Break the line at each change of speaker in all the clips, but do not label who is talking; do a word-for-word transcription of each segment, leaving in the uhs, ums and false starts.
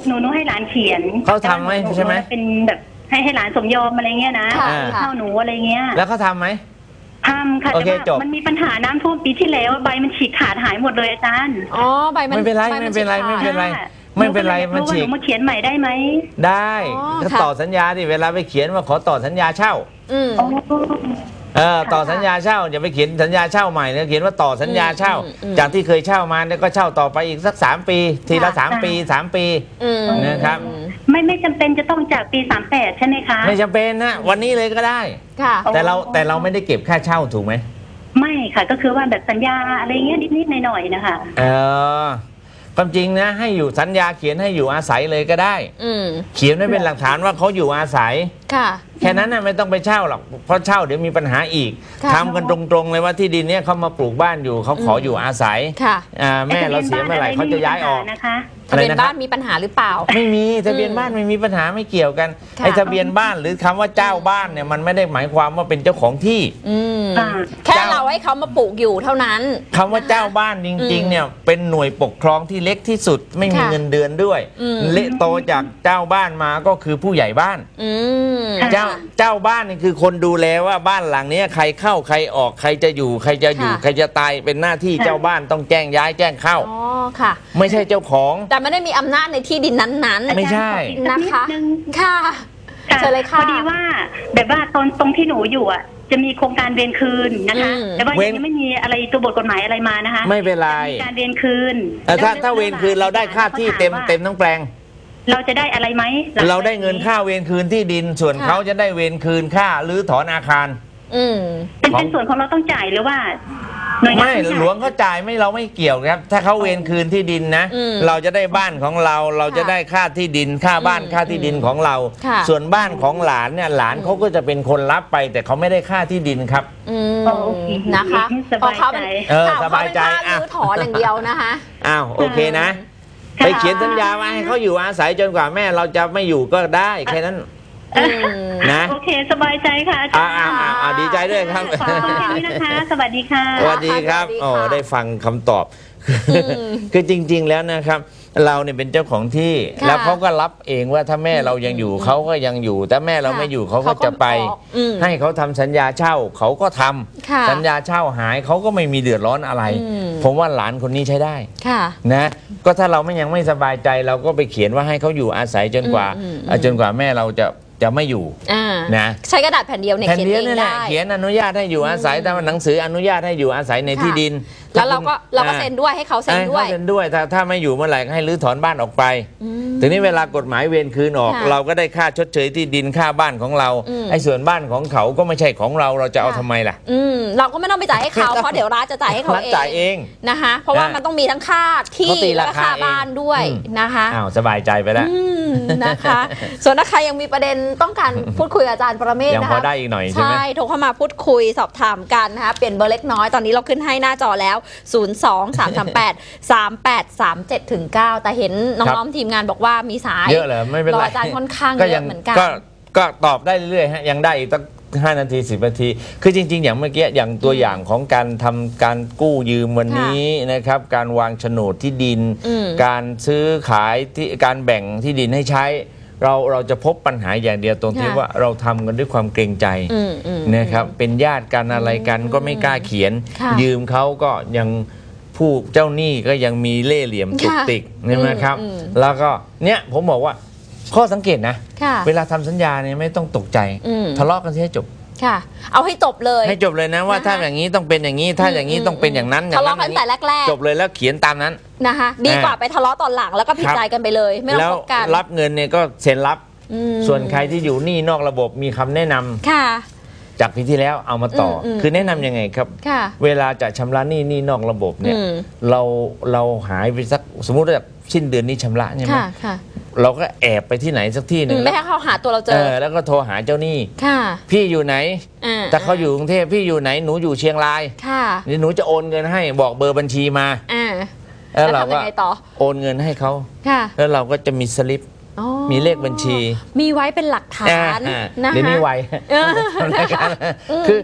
หนูหนูให้หลานเขียน
เขาทำไหมใช่ไหม
เป็นแบบให้ให้หลานสมยอมอะไรเงี้ยนะเข้าหนูอะไรเงี้ย
แล้วเขาทำไหม
ทำค่ะแต่ว่ามันมีปัญหาน้ำท่วมปีที่แล้วใบมันฉีกขาดหายหมดเลยอาจารย์
อ๋อใบมัน
ไม่เป็นไรไม่เป็นไรไม่เป็นไรไม่เป็นไรมันฉีก
มาเขียนใหม่ได้ไหม
ได้ก็ต่อสัญญาดิเวลาไปเขียนว่าขอต่อสัญญาเช่าเออต่อสัญญาเช่าอย่าไปเขียนสัญญาเช่าใหม่เนี่ยเขียนว่าต่อสัญญาเช่าจากที่เคยเช่ามาเนี่ยก็เช่าต่อไปอีกสักสามปีทีละสามปีสามปีนะครับ
ไม่ไม่จำเป็นจะต้องจากปีสามแปดใช่ไหมคะ
ไม่จำเป็นนะวันนี้เลยก็ได้แต่เราแต่เราไม่ได้เก็บค่าเช่าถูกไหม
ไม่ค่ะก็คือว่าแบบสัญญาอะไรเงี้ยนิดๆหน่อยๆนะคะ
เออความจริงนะให้อยู่สัญญาเขียนให้อยู่อาศัยเลยก็ได้เขียนไว้เป็นหลักฐานว่าเขาอยู่อาศัยแค่นั้นนะไม่ต้องไปเช่าหรอกเพราะเช่าเดี๋ยวมีปัญหาอีกทำกันตรงๆเลยว่าที่ดินเนี้ยเขามาปลูกบ้านอยู่เขาขออยู่อาศัยแม่เราเสียเมื่อไหร่เขาจะย้ายออก
ทะเบียนบ้านมีปัญหาหรือเปล่า
ไม่มีทะเบียนบ้านไม่มีปัญหาไม่เกี่ยวกันไอ้ทะเบียนบ้านหรือคำว่าเจ้าบ้านเนี่ยมันไม่ได้หมายความว่าเป็นเจ้าของที่
แค่เราให้เขามาปลูกอยู่เท่านั้น
คำว่าเจ้าบ้านจริงๆเนี่ยเป็นหน่วยปกครองที่เล็กที่สุดไม่มีเงินเดือนด้วยเละโตจากเจ้าบ้านมาก็คือผู้ใหญ่บ้านเจ้าเจ้าบ้านนี่คือคนดูแลว่าบ้านหลังนี้ใครเข้าใครออกใครจะอยู่ใครจะอยู่ใครจะตายเป็นหน้าที่เจ้าบ้านต้องแจ้งย้ายแจ้งเข้า
อ๋อค่ะ
ไม่ใช่เจ้าของ
แต่ไม่ได้มีอำนาจในที่ดินนั้น
ๆไม่ใช่
นะคะค่ะเชิญเลยค่ะ
พอดีว่าแบบว่าตอนตรงที่หนูอยู่อ่ะจะมีโครงการเวรคืนนะคะแต่ว่ายังไม่มีอะไรตัวบทกฎหมายอะไรมานะคะ
ไม่เป็นไร
การเวรคืน
ถ้าถ้าเวรคืนเราได้ค่าที่เต็มเต็มทั้งแปลง
เราจะได้อะไรไหม
เราได้เงินค่าเวรคืนที่ดินส่วนเขาจะได้เวรคืนค่าหรือถอนอาคาร
เป็นส่วนของเราต้องจ่ายหรือว่า
ไม่หลวงเขาจ่ายไม่เราไม่เกี่ยวครับถ้าเขาเวรคืนที่ดินนะเราจะได้บ้านของเราเราจะได้ค่าที่ดินค่าบ้านค่าที่ดินของเราส่วนบ้านของหลานเนี่ยหลานเขาก็จะเป็นคนรับไปแต่เขาไม่ได้ค่าที่ดินครับ
นะคะ
เพราะเขาเป็น
สบายใจ
อ่ะถอนอย่างเดียวนะคะ
อ้าวโอเคนะไปเขียนสัญญาไว้ให้เขาอยู่อาศัยจนกว่าแม่เราจะไม่อยู่ก็ได้แค่นั้นนะ
โอเคสบายใจค่ะ
อ่าอ่าดีใจด้วยครับ
ขอบคุณที่นะคะสวัสดีค่ะ
สวัสดีครับโอ้ได้ฟังคำตอบคือจริงๆแล้วนะครับเราเนี่ยเป็นเจ้าของที่แล้วเขาก็รับเองว่าถ้าแม่เรายังอยู่เขาก็ยังอยู่แต่แม่เราไม่อยู่เขาก็จะไปให้เขาทำสัญญาเช่าเขาก็ทำสัญญาเช่าหายเขาก็ไม่มีเดือดร้อนอะไรผมว่าหลานคนนี้ใช้ได้นะก็ถ้าเราไม่ยังไม่สบายใจเราก็ไปเขียนว่าให้เขาอยู่อาศัยจนกว่าจนกว่าแม่เราจะจะไม่อยู่นะ
ใช้กระดาษแผ่นเดียวเนี่ย
แผ่นเดียวนี่แหละเขียนอนุญาตให้อยู่อาศัยแต่หนังสืออนุญาตให้อยู่อาศัยในที่ดิน
แล้วเราก็เราก็เซ็นด้วยให้เขาเซ็นด้วย
เซ็นด้วยถ้าถ้าไม่อยู่เมื่อไหร่ให้รื้อถอนบ้านออกไปทีนี้เวลากฎหมายเวรคืนออกเราก็ได้ค่าชดเชยที่ดินค่าบ้านของเราไอ้ส่วนบ้านของเขาก็ไม่ใช่ของเราเราจะเอาทำไมล่ะ
เราก็ไม่ต้องไปจ่ายให้เขาเพราะเดี๋ยวรัฐจะจ่ายให้เขา
เอง
นะคะเพราะว่ามันต้องมีทั้งค่าที่และค่าบ้านด้วยนะคะ
อ้าวสบายใจไปแล้ว
นะคะส่วนถ้าใครยังมีประเด็นต้องการพูดคุยกับอาจารย์ประเมศนะคะ
ยังพอได้อีกหน่อยใช่ไหม
ใช่โทรเข้ามาพูดคุยสอบถามกันนะคะเปลี่ยนเบอร์เล็กน้อยตอนนี้เราขึ้นให้หน้าจอแล้วศูนย์ สอง สาม สาม แปด สาม แปด สาม เจ็ด ถึง เก้าแต่เห็นน้องๆทีมงานบอกว่ามีสาย
เยอะเลยไม่เป็นไร
อาจารย์ค่อนข้างเยอะเหมือนกัน
ก็ตอบได้เรื่อยๆฮะยังได้อีกตั้งห้านาทีสิบนาทีคือจริงๆอย่างเมื่อกี้อย่างตัวอย่างของการทำการกู้ยืมวันนี้นะครับการวางโฉนดที่ดินการซื้อขายที่การแบ่งที่ดินให้ใช้เราเราจะพบปัญหาอย่างเดียวตรงที่ว่าเราทำกันด้วยความเกรงใจนะครับเป็นญาติกันอะไรกันก็ไม่กล้าเขียนยืมเขาก็ยังผู้เจ้าหนี้ก็ยังมีเล่ห์เหลี่ยมตุกติกใช่ไหมครับแล้วก็เนี่ยผมบอกว่าข้อสังเกตนะเวลาทำสัญญาเนี่ยไม่ต้องตกใจทะเลาะกันให้จบ
ค่ะเอาให้จบเลย
ให้จบเลยนะว่าถ้าอย่างนี้ต้องเป็นอย่างนี้ถ้าอย่างนี้ต้องเป็นอย่างนั้น
ทะเลาะกันแต่แรก
ๆจบเลยแล้วเขียนตามนั้น
นะคะดีกว่าไปทะเลาะตอนหลังแล้วก็ผิดใจกันไปเลยไม่ต้องพบกัน
รับเงินเนี่ยก็เซ็นรับส่วนใครที่อยู่หนี้นอกระบบมีคำแนะนำ
ค่ะ
จากปีที่แล้วเอามาต่อคือแนะนำยังไงครับเวลาจะชำระหนี้หนี้นอกระบบเนี่ยเราเราหายไปสักสมมุติว่าสิ้นเดือนนี้ชำระใช่ไหมเราก็แอบไปที่ไหนสักที่หนึ่ง
ไม่ให้เขาหาตัวเราเจอ
แล้วก็โทรหาเจ้าหนี้พี่อยู่ไหนแต่เขาอยู่กรุงเทพพี่อยู่ไหนหนูอยู่เชียงรายนี่หนูจะโอนเงินให้บอกเบอร์บัญชีมาแล้วเราก็โอนเงินให้เขาแล้วเราก็จะมีสลิปมีเลขบัญชี
มีไว้เป็นหลักฐาน
นะเดี๋ยวนี้ไวคือค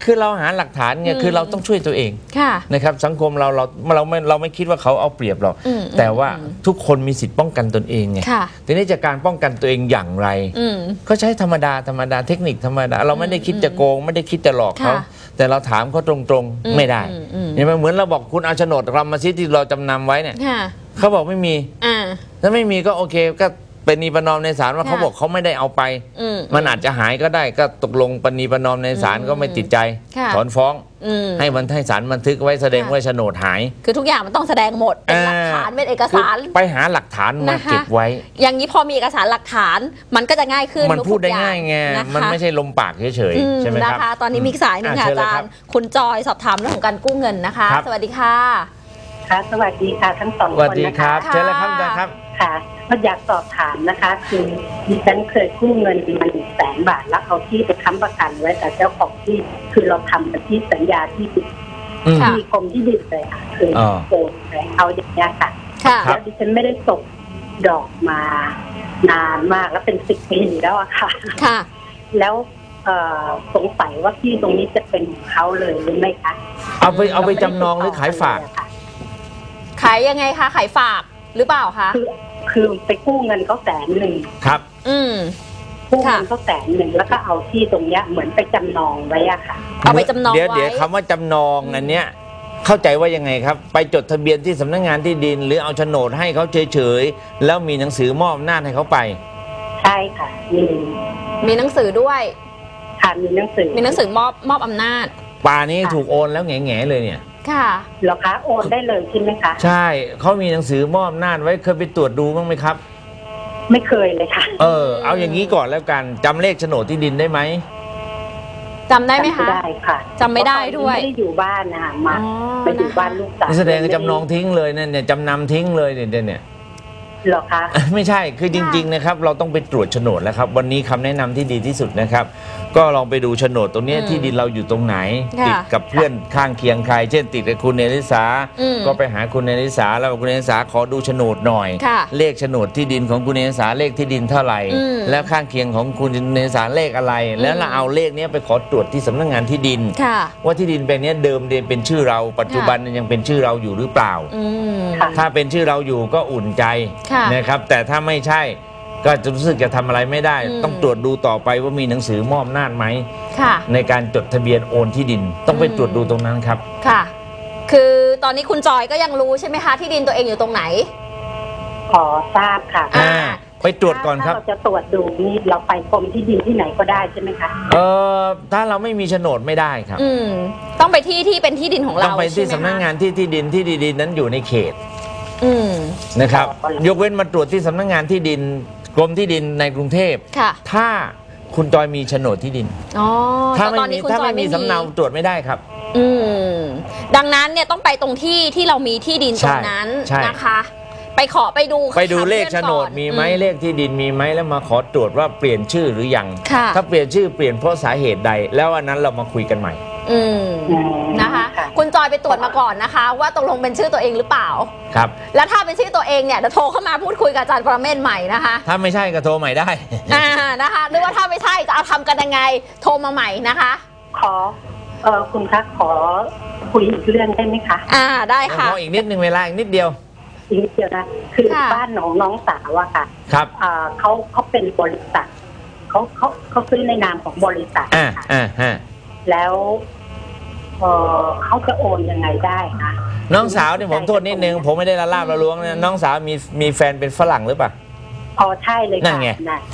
คือเราหาหลักฐานไงคือเราต้องช่วยตัวเอง
ค่ะ
นะครับสังคมเราเราเราไม่เราไม่คิดว่าเขาเอาเปรียบเราแต่ว่าทุกคนมีสิทธิ์ป้องกันตนเองไงทีนี้จากการป้องกันตัวเองอย่างไรก็ใช้ธรรมดาธรรมดาเทคนิคธรรมดาเราไม่ได้คิดจะโกงไม่ได้คิดจะหลอกเขาแต่เราถามเขาตรงๆไม่ได้เห็นไหมเหมือนเราบอกคุณเอาโฉนดกรรมสิทธิ์ที่เราจำนำไว้เนี่ยเขาบอกไม่มีถ้าไม่มีก็โอเคก็เป็นนีประนอมในศาลว่าเขาบอกเขาไม่ได้เอาไปมันอาจจะหายก็ได้ก็ตกลงปณีประนอมในศาลก็ไม่ติดใจถอนฟ้องให้มันให้ศาลบันทึกไว้แสดงว่าโฉนดหาย
คือทุกอย่างมันต้องแสดงหมดเป็นหลักฐานเป็นเอกสาร
ไปหาหลักฐานมาเก็บไว้
อย่างนี้พอมีเอกสารหลักฐานมันก็จะง่ายขึ้น
มันพูดได้ง่ายไงมันไม่ใช่ลมปากเฉยๆใช่ไหมครับ
นะคะตอนนี้มีสายหนึ่งค่ะอาจารย์คุณจอยสอบถามเรื่องของการกู้เงินนะคะสวัสดีค่ะ
ค่ะสวัสดีค่ะทั้งสองคนนะคะ
สวัสดีครับเชิญเลยครับอาจารย์ครับ
ค่ะก็อยากสอบถามนะคะคือดิฉันเคยกู้เงินมาหนึ่งแสนบาทแล้วเอาที่ไปค้ำประกันไว้แต่เจ้าของที่คือเราทำกับที่สัญญาที่ที่กรมที่ดินเลยค่ะคือโกงเลยเอาอย่างนี้ค่ะแล้วดิฉันไม่ได้ส่งดอกมานานมากแล้วเป็นสิบปีแล้วอะค่ะ
ค่ะ
แล้วสงสัยว่าที่ตรงนี้จะเป็นของเขาเลยหรือไม่คะ
เอาไปเอาไปจำนองหรือขายฝาก
ขายยังไงคะขายฝากหรือเปล่าคะ
คือคือไปกู้เงินเขาแสนหนึ่ง
ครับ
อืม
กู้เงินเขาแสนหนึ่งแล้วก็เอาที่ตรงเนี้ยเหมือนไปจำนองไว้อะค่ะ
เอาไปจำนองไว้
เดี๋ยวเดี๋ยวคำว่าจำนองอันเนี้ยเข้าใจว่ายังไงครับไปจดทะเบียนที่สำนักงานที่ดินหรือเอาโฉนดให้เขาเฉยๆแล้วมีหนังสือมอบอำนาจให้เขาไป
ใช่ค่ะมี
มีหนังสือด้วย
ค่ะมีหนังสือ
มีหนังสือมอบมอบอำนาจ
ป่านี้ถูกโอนแล้วแง่ๆเลยเนี่ย
ค่ะ
เหรอคะโอนได้เลยใช่ไหมคะ
ใช่เขามีหนังสือมอบอำนาจไว้เคยไปตรวจดูบ้างไหมครับ
ไม่เคยเลยค่ะ
เออเอาอย่างนี้ก่อนแล้วกันจำเลขโฉนดที่ดินได้ไหม
จำได้ไหมคะ
ได้ค่ะ
จำไม่ได้ด้วย
ไม่ได้อยู่บ้านนะคะมาไปอยู่บ้านลูกสาว
แสดงจำนองทิ้งเลยนั่นเนี่ยจำนำทิ้งเลยเนี่ยเนี่ย
หรอคะ
ไม่ใช่คือจริงๆนะครับเราต้องไปตรวจโฉนดแล้วครับวันนี้คำแนะนำที่ดีที่สุดนะครับก็ลองไปดูโฉนดตรงนี้ที่ดินเราอยู่ตรงไหนติดกับเพื่อนข้างเคียงใครเช่นติดกับคุณเนริสาก็ไปหาคุณเนริสาแล้วคุณเนริสาขอดูโฉนดหน่อยเลขโฉนดที่ดินของคุณเนริสาเลขที่ดินเท่าไหร่แล้วข้างเคียงของคุณเนริสาเลขอะไรแล้วเราเอาเลขนี้ไปขอตรวจที่สำนักงานที่ดินว่าที่ดินแปลงนี้เดิมเดิมเป็นชื่อเราปัจจุบันยังเป็นชื่อเราอยู่หรือเปล่าถ้าเป็นชื่อเราอยู่ก็อุ่นใจนะครับแต่ถ้าไม่ใช่ก็จะรู้สึกจะทำอะไรไม่ได้ต้องตรวจดูต่อไปว่ามีหนังสือมอบอำนาจไหมในการจดทะเบียนโอนที่ดินต้องไปตรวจดูตรงนั้นครับ
ค่ะคือตอนนี้คุณจอยก็ยังรู้ใช่ไหมคะที่ดินตัวเองอยู่ตรงไหน
ขอทราบค่ะ
ไปตรวจก่อนครับ
ถ้าเราจะตรวจดูนี่เราไปกรมที่ดินที่ไหนก็ได้ใช่ไหมคะ
เออถ้าเราไม่มีโฉนดไม่ได้ครับ
อืมต้องไปที่ที่เป็นที่ดินของเรา
ต้องไปที่สำนักงานที่ที่ดินที่ดินนั้นอยู่ในเขตนะครับยกเว้นมาตรวจที่สำนักงานที่ดินกรมที่ดินในกรุงเทพถ้าคุณจอยมีโฉนดที่ดินถ้าไม่มีถ้าไม่มีสำเนาตรวจไม่ได้ครับ
อืมดังนั้นเนี่ยต้องไปตรงที่ที่เรามีที่ดินตรงนั้นนะคะไปขอไปดู
ไปดูเลขโฉนดมีไหมเลขที่ดินมีไหมแล้วมาขอตรวจว่าเปลี่ยนชื่อหรือยังถ้าเปลี่ยนชื่อเปลี่ยนเพราะสาเหตุใดแล้ววันนั้นเรามาคุยกันใหม่
อืมนะคะคุณจอยไปตรวจมาก่อนนะคะว่าตกลงเป็นชื่อตัวเองหรือเปล่า
ครับ
แล้วถ้าเป็นชื่อตัวเองเนี่ยจะโทรเข้ามาพูดคุยกับอาจารย์ปรเมศใหม่นะคะ
ถ้าไม่ใช่ก็โทรใหม่ได้
อ่านะคะหรือว่าถ้าไม่ใช่จะเอาทำกันยังไงโทรมาใหม่นะคะ
ขอเออคุณคะขอคุยอีกเรื่องได้ไหมคะ
อ่าได้ค่ะ
ขออีกนิดนึงเวลาอีกนิดเดียว
อีกนิดเดียวนะคือบ้านของน้องสาวอะค่ะ
ครับ
อ่าเขาเขาเป็นบริษัทเขาเขาเขาซื้อในนามของบริษัท
อ่าอ่าฮะ
แล้วเออเขาจะโอนยังไงได้คะ
น้องสาวเนี่ยผมโทษนิดนึงผมไม่ได้ละลาบละล้วงนะน้องสาวมีมีแฟนเป็นฝรั่งหรือเปล่า
อ๋อใช่เลยค่ะ
นั่นไง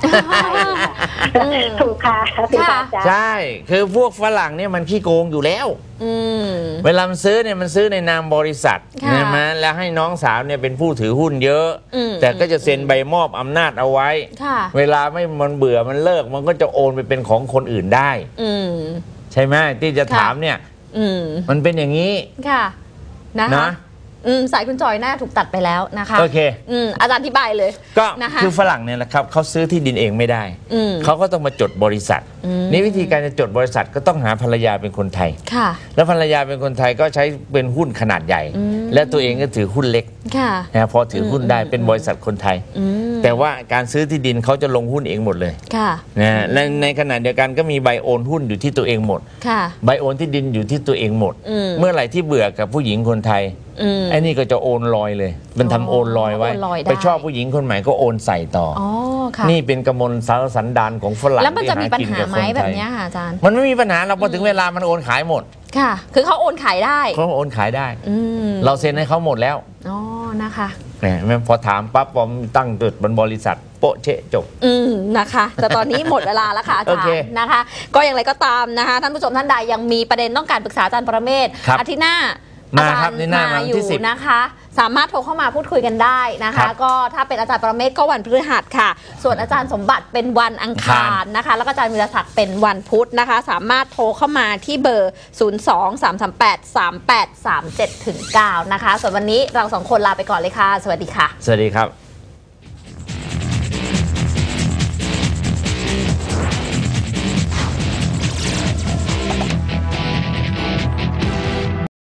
ถูกค่ะ
ใช่คือพวกฝรั่งเนี่ยมันขี้โกงอยู่แล้วเวลามันซื้อเนี่ยมันซื้อในนามบริษัทใช่ไหมแล้วให้น้องสาวเนี่ยเป็นผู้ถือหุ้นเยอะแต่ก็จะเซ็นใบมอบอำนาจเอาไว้เวลาไม่มันเบื่อมันเลิกมันก็จะโอนไปเป็นของคนอื่นได้ใช่ไหมที่จะถามเนี่ยมันเป็นอย่างนี้
ค่ะนะอืมสายคุณจอยน่าถูกตัดไปแล้วนะคะ
โอเค
อืมอาจารย์อธิบายเลย
ก็คือฝรั่งเนี่ยแหละครับเขาซื้อที่ดินเองไม่ได้เขาก็ต้องมาจดบริษัทนี่วิธีการจะจดบริษัทก็ต้องหาภรรยาเป็นคนไทย
ค่ะ
แล้วภรรยาเป็นคนไทยก็ใช้เป็นหุ้นขนาดใหญ่และตัวเองก็ถือหุ้นเล็กนะพอถือหุ้นได้เป็นบริษัทคนไทยแต่ว่าการซื้อที่ดินเขาจะลงหุ้นเองหมดเลยนะและในขณะเดียวกันก็มีใบโอนหุ้นอยู่ที่ตัวเองหมดใบโอนที่ดินอยู่ที่ตัวเองหมดเมื่อไหร่ที่เบื่อกับผู้หญิงคนไทยไอ้นี่ก็จะโอนลอยเลยมันทำโอนลอยไว้ไปชอบผู้หญิงคนใหม่ก็โอนใส่ต่อนี่เป็นกมลสารสันดานของฝรั่ง
แล้วมันจะมีปัญหาไหมแบบนี้ค่ะอาจารย์
มันไม่มีปัญหาเราพอถึงเวลามันโอนขายหมด
ค่ะคือเขาโอนขายได้
เขาโอนขายได้เราเซ็นให้เขาหมดแล้ว
อ๋อนะคะ
เนี่ยพอถามปั๊บผมตั้งจุดบนบริษัทโปะเชะจบ
อืมนะคะแต่ตอนนี้หมดเวลาแล้วค่ะอาจารย์นะคะก็อย่างไรก็ตามนะคะท่านผู้ชมท่านใดยังมีประเด็นต้องการปรึกษาอาจารย์ปรเมศอาทิตย์หน้า
มาครับนี่หน้ามา
อยู่นะคะสามารถโทรเข้ามาพูดคุยกันได้นะคะก็ถ้าเป็นอาจารย์ปรเมศก็วันพฤหัสค่ะส่วนอาจารย์สมบัติเป็นวันอังคารนะคะแล้วก็อาจารย์วีรศักดิ์เป็นวันพุธนะคะสามารถโทรเข้ามาที่เบอร์ ศูนย์ สอง สาม สาม แปด สาม แปด สาม เจ็ด เก้า นะคะส่วนวันนี้เราสองคนลาไปก่อนเลยค่ะสวัสดีค่ะ
สวัสดีครับ